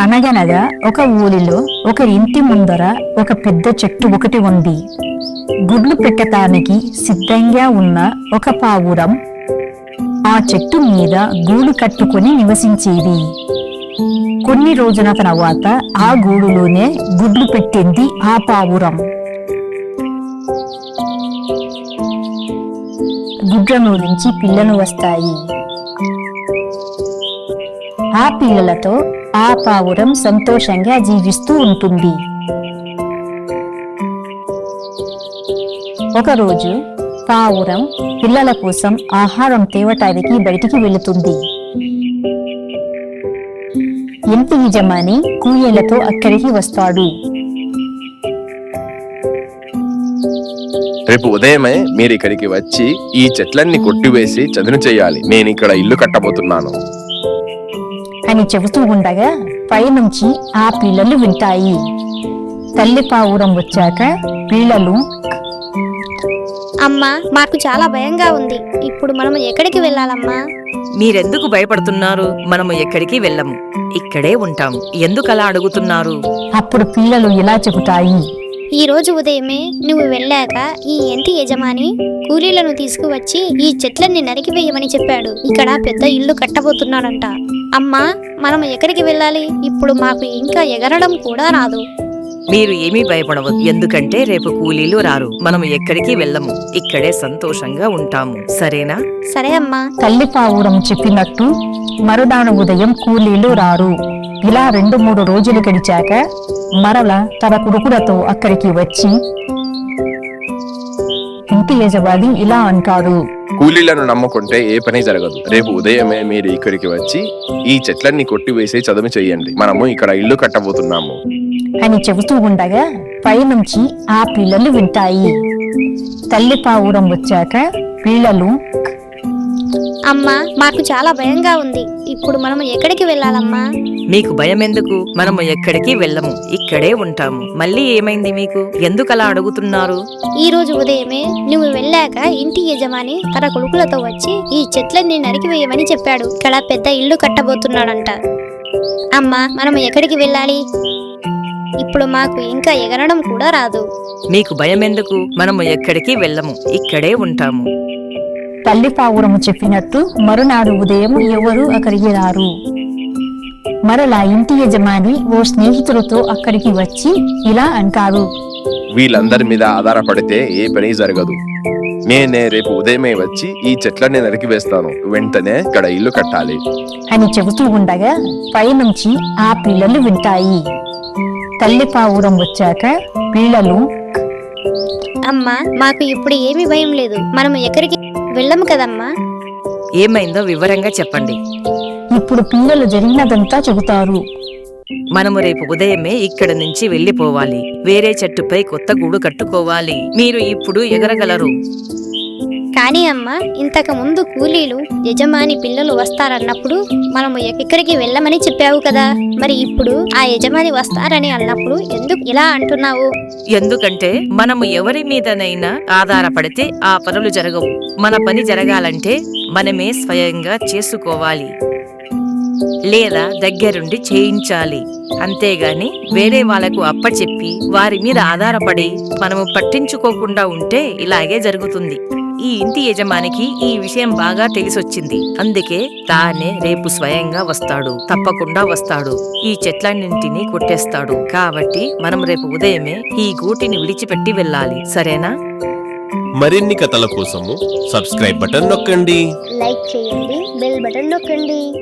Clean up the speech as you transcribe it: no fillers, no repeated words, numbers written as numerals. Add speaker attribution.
Speaker 1: అనగనగా ఒక ఊరిలో ఒక ఇంటి ముందర ఒక పెద్ద చెట్టు ఒకటి ఉంది. గుడ్లు పెట్టటానికి సిద్ధంగా ఉన్న ఒక పావురం ఆ చెట్టు మీద గూడు కట్టుకుని నివసించేది. కొన్ని రోజుల తర్వాత ఆ గూడులోనే గుడ్లు పెట్టింది ఆ పావురం. గుడ్ల నుంచి పిల్లలు వస్తాయి. ఆ పిల్లలతో ఆ పావురం సంతోషంగా జీవిస్తూ ఉంటుంది. ఒకరోజు పావురం పిల్లల కోసం ఆహారం తేవటానికి బయటికి వెళుతుంది. ఇంటి యజమాని కూలీలతో అక్కడికి వస్తాడు.
Speaker 2: రేపు ఉదయమే మీరు ఇక్కడికి వచ్చి ఈ చెట్లన్నీ కొట్టివేసి చదును చేయాలి. నేను ఇక్కడ ఇల్లు కట్టబోతున్నాను
Speaker 1: అని చెబుతూ ఉండగా పైనుంచి ఆ పిల్లలు వింటాయి. తల్లి పావురం వచ్చాక పిల్లలు,
Speaker 3: అమ్మా, మాకు చాలా భయంగా ఉంది. ఇప్పుడు మనం ఎక్కడికి వెళ్ళాలమ్మా?
Speaker 4: మీరెందుకు భయపడుతున్నారు? మనము ఎక్కడికి వెళ్ళము, ఇక్కడే ఉంటాం. ఎందుకలా అడుగుతున్నారు?
Speaker 1: అప్పుడు పిల్లలు ఇలా చెబుతాయి.
Speaker 3: ఈ రోజు ఉదయమే నువ్వు వెళ్ళాక ఈ ఇంటి యజమాని కూలీలను తీసుకువచ్చి ఈ చెట్లన్నీ నరికివేయమని చెప్పాడు. ఇక్కడ పెద్ద ఇల్లు కట్టబోతున్నాడంట. అమ్మా, మనం ఎక్కడికి వెళ్ళాలి? ఇప్పుడు మాకు ఇంకా ఎగరడం కూడా రాదు.
Speaker 4: మీరు ఏమీ భయపడవద్దు, ఎందుకంటే రేపు కూలీలు రారు. మనము ఎక్కడికి వెళ్ళము, ఇక్కడే సంతోషంగా ఉంటాము. సరేనా?
Speaker 3: సరే అమ్మా.
Speaker 1: తల్లి పావురం చెప్పినట్టు మరునాడు ఉదయం కూలీలు రారు. ఇలా 2-3 రోజులు గడిచాక మరల తన కొడుకులతో అక్కడికి వచ్చి ఇంటి యజమాని ఇలా అంటాడు.
Speaker 2: కూలీలను నమ్ముకుంటే ఏ పని జరగదు. రేపు ఉదయమే మీరు ఇక్కడికి వచ్చి ఈ చెట్లన్నీ కొట్టివేసి చదును చేయండి. మనము ఇక్కడ ఇల్లు కట్టబోతున్నాము
Speaker 1: అని చెబుతూ ఉండగా పైనుంచి ఆ పిల్లలు వింటాయి. తల్లి పావురం వచ్చాక పిల్లలు,
Speaker 3: అమ్మా, మాకు చాలా భయంగా ఉంది. ఇప్పుడు మనం ఎక్కడికి వెళ్ళాలమ్మా?
Speaker 4: మీకు భయం ఎందుకు? మనము ఎక్కడికి వెళ్ళము, ఇక్కడే ఉంటాము. మళ్ళీ ఏమైంది మీకు? ఎందుకలా అడుగుతున్నారు?
Speaker 3: ఈ రోజు ఉదయమే నువ్వు వెళ్ళాక ఇంటి యజమాని తన కొడుకులతో వచ్చి ఈ చెట్లన్నీ నరికివేయమని చెప్పాడు. ఇక్కడ పెద్ద ఇల్లు కట్టబోతున్నాడంట. అమ్మా, మనం ఎక్కడికి వెళ్ళాలి? ఇప్పుడు మాకు ఇంకా ఎగరడం కూడా రాదు.
Speaker 4: మీకు భయం ఎందుకు? మనము ఎక్కడికి వెళ్ళము, ఇక్కడే ఉంటాము.
Speaker 1: తల్లి పావురము చెప్పినట్టు మరునాడు ఉదయం ఎవరు అక్కడికి రారు. మరలా ఇంటి యజమాని ఓ స్నేహితులతో అక్కడికి వచ్చి ఇలా అంటారు.
Speaker 2: వీళ్ళందరి మీద ఆధారపడితే ఏ పని జరగదు. నేనే రేపు ఉదయమే వచ్చి ఈ చెట్లన్నీ నరికివేస్తాను. వెంటనే ఇక్కడ ఇల్లు కట్టాలి
Speaker 1: అని చెబుతూ ఉండగా పైనుంచి ఆ పిల్లలు వింటాయి. తల్లి పావురం వచ్చాక పిల్లలు,
Speaker 3: అమ్మా, మాకు ఇప్పుడు ఏమీ భయం లేదు. మనం ఎక్కడికి వెళ్ళము కదమ్మా.
Speaker 4: ఏమైందో వివరంగా చెప్పండి.
Speaker 1: ఇప్పుడు పిల్లలు జరిగినదంతా చెబుతారు.
Speaker 4: మనము రేపు ఉదయమే ఇక్కడ నుంచి వెళ్ళిపోవాలి. వేరే చెట్టుపై కొత్త గూడు కట్టుకోవాలి. మీరు ఇప్పుడు ఎగరగలరు.
Speaker 3: కానీ అమ్మా, ఇంతకు ముందు కూలీలు యజమాని పిల్లలు వస్తారన్నప్పుడు మనము ఎక్కడికి వెళ్ళమని చెప్పావు కదా. మరి ఇప్పుడు ఆ యజమాని వస్తారని అన్నప్పుడు ఎందుకు ఇలా అంటున్నావు?
Speaker 4: ఎందుకంటే మనము ఎవరి మీదనైనా ఆధారపడితే ఆ పనులు జరగవు. మన పని జరగాలంటే మనమే స్వయంగా చేసుకోవాలి లేదా దగ్గరుండి చేయించాలి. అంతేగాని వేరే వాళ్లకు అప్పచెప్పి వారి మీద ఆధారపడి మనము పట్టించుకోకుండా ఉంటే ఇలాగే జరుగుతుంది. ఈ ఇంటి యజమానికి ఈ విషయం బాగా తెలిసొచ్చింది. అందుకే తానే రేపు స్వయంగా వస్తాడు, తప్పకుండా వస్తాడు. ఈ చెట్లన్నింటినీ కొట్టేస్తాడు. కాబట్టి మనం రేపు ఉదయమే ఈ గూటిని విడిచిపెట్టి వెళ్ళాలి. సరేనా?
Speaker 5: మరిన్ని కథల కోసము సబ్స్క్రైబ్ బటన్ నొక్కండి.
Speaker 3: లైక్ చేయండి, బెల్ బటన్ నొక్కండి.